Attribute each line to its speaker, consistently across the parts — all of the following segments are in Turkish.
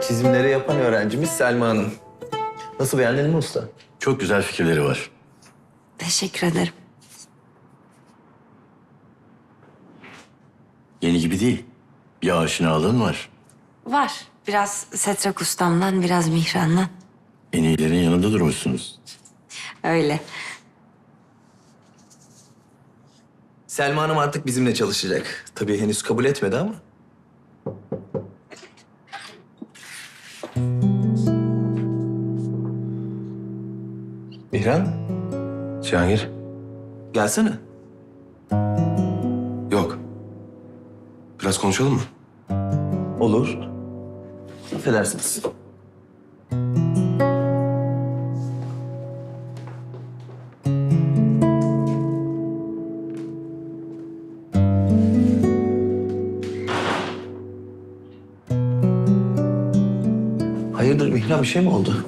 Speaker 1: çizimleri yapan öğrencimiz Selma Hanım. Nasıl, beğendin mi usta?
Speaker 2: Çok güzel fikirleri var.
Speaker 3: Teşekkür ederim.
Speaker 2: Yeni gibi değil. Bir aşinalığın var.
Speaker 3: Var. Biraz Setrak ustamdan, biraz Mihran'dan.
Speaker 2: En iyilerin yanında durmuşsunuz.
Speaker 3: Öyle.
Speaker 1: Selma Hanım artık bizimle çalışacak. Tabii henüz kabul etmedi ama. Mihran,
Speaker 4: Cihangir?
Speaker 1: gelsene.
Speaker 4: Yok. Biraz konuşalım mı?
Speaker 1: Olur. Affedersiniz. Hayırdır Mihran, bir şey mi oldu?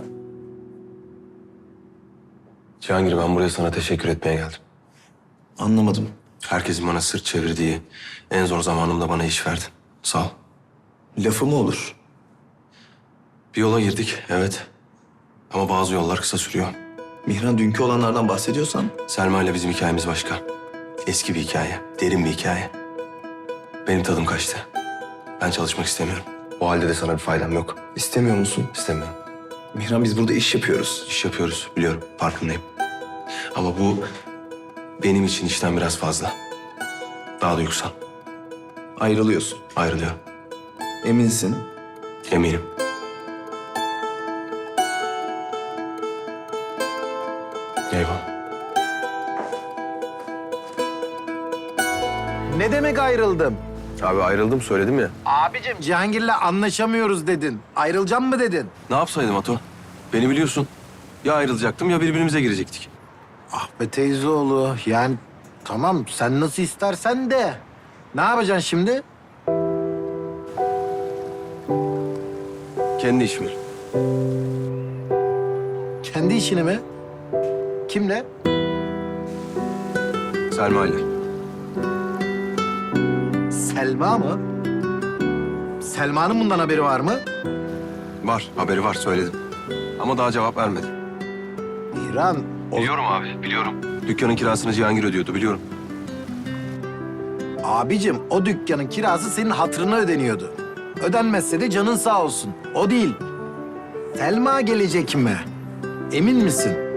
Speaker 4: Cihangir, ben buraya sana teşekkür etmeye geldim.
Speaker 1: Anlamadım.
Speaker 4: Herkesin bana sırt çevirdiği, en zor zamanımda bana iş verdin. Sağ ol.
Speaker 1: Lafı mı olur?
Speaker 4: Bir yola girdik, evet. Ama bazı yollar kısa sürüyor.
Speaker 1: Mihran, dünkü olanlardan bahsediyorsan...
Speaker 4: Selma ile bizim hikayemiz başka. Eski bir hikaye, derin bir hikaye. Benim tadım kaçtı. Ben çalışmak istemiyorum. O halde de sana bir faydam yok.
Speaker 1: istemiyor musun?
Speaker 4: İstemiyorum.
Speaker 1: Mihran, biz burada iş yapıyoruz.
Speaker 4: İş yapıyoruz, biliyorum. Farkındayım. Ama bu benim için işten biraz fazla. Daha duygusal.
Speaker 1: Ayrılıyorsun.
Speaker 4: Ayrılıyorum.
Speaker 1: Eminsin.
Speaker 4: Eminim. Eyvallah.
Speaker 5: Ne demek ayrıldım?
Speaker 4: Abi ayrıldım, söyledim ya.
Speaker 5: Abicim Cihangir'le anlaşamıyoruz dedin. Ayrılacağım mı dedin?
Speaker 4: Ne yapsaydım Ato? Beni biliyorsun. Ya ayrılacaktım ya birbirimize girecektik.
Speaker 5: Ah be teyzeoğlu, yani tamam sen nasıl istersen de. Ne yapacaksın şimdi?
Speaker 4: Kendi işim.
Speaker 5: Kendi işini mi? Kimle?
Speaker 4: Selma ile.
Speaker 5: Selma mı? Selma'nın bundan haberi var mı?
Speaker 4: Var, haberi var, söyledim. Ama daha cevap vermedi.
Speaker 5: İran,
Speaker 4: Biliyorum abi, biliyorum. Dükkanın kirasını Cihangir ödüyordu, biliyorum.
Speaker 5: abicim o dükkanın kirası senin hatırına ödeniyordu. Ödenmezse de canın sağ olsun. O değil. Selma gelecek mi? Emin misin?